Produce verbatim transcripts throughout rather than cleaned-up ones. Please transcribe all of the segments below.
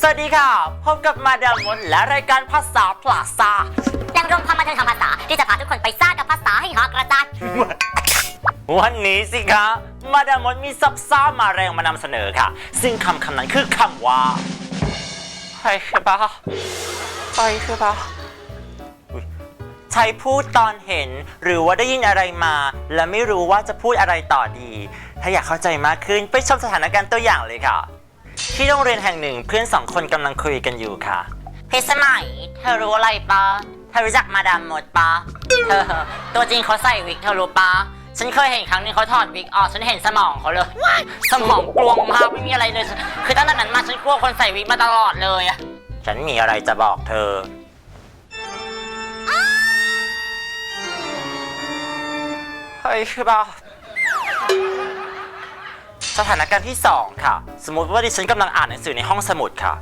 วัสดีค่ะพบกับมาดามมดและรายการภาษาพลาซ่าแหล่งรวมความบันเทิงทางภาษาที่จะพาทุกคนไปซ่ากับภาษาให้หอกระจายวันนี้สิคะมาดามมดมีซับซ่ามาแรงมานำเสนอค่ะซึ่งคำคำนั้นคือคำว่าใช่ใช่ปะใช่ใช่ปะใช้พูดตอนเห็นหรือว่าได้ยินอะไรมาและไม่รู้ว่าจะพูดอะไรต่อดีถ้าอยากเข้าใจมากขึ้นไปชมสถานการณ์ตัวอย่างเลยค่ะที่โรงเรียนแห่งหนึ่งเพื่อนสองคนกำลังคุยกันอยู่ค่ะเพชรสมัยเธอรู้อะไรปะเธอรู้จักมาดามมดปะเธอตัวจริงเขาใส่วิกเธอรู้ปะฉันเคยเห็นครั้งนึงเขาถอดวิกออกฉันเห็นสมองเขาเลยสมองกลวงมากไม่มีอะไรเลยคือตั้งแต่นั้นมาฉันกลัวคนใส่วิกมาตลอดเลยอะฉันมีอะไรจะบอกเธอเฮ้ยคือปะสถานการณ์ที่สองค่ะสมมติว่าดิฉันกำลังอ่านหนังสือในห้องสมุดค่ะ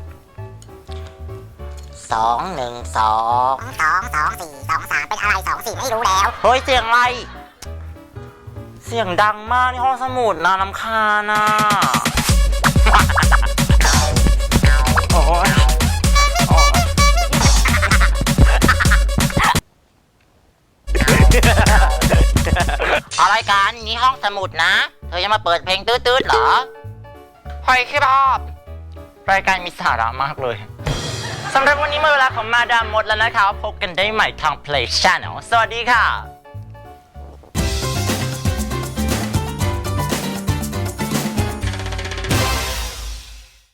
สองหนึ่งสองสองสองสี่สองสามเป็นอะไรสองสี่ไม่รู้แล้วเฮ้ยเสียงอะไรเสียงดังมากในห้องสมุดนะรำคาญนะโอ้ยอะไรกันนี่ห้องสมุดนะเธอยังมาเปิดเพลงตืดๆเหรอใครคิดภาพรายการมีสาระมากเลยสำหรับวันนี้หมดเวลาของมาดามมดแล้วนะคะพบกันได้ใหม่ทาง Play Channel สวัสดีค่ะ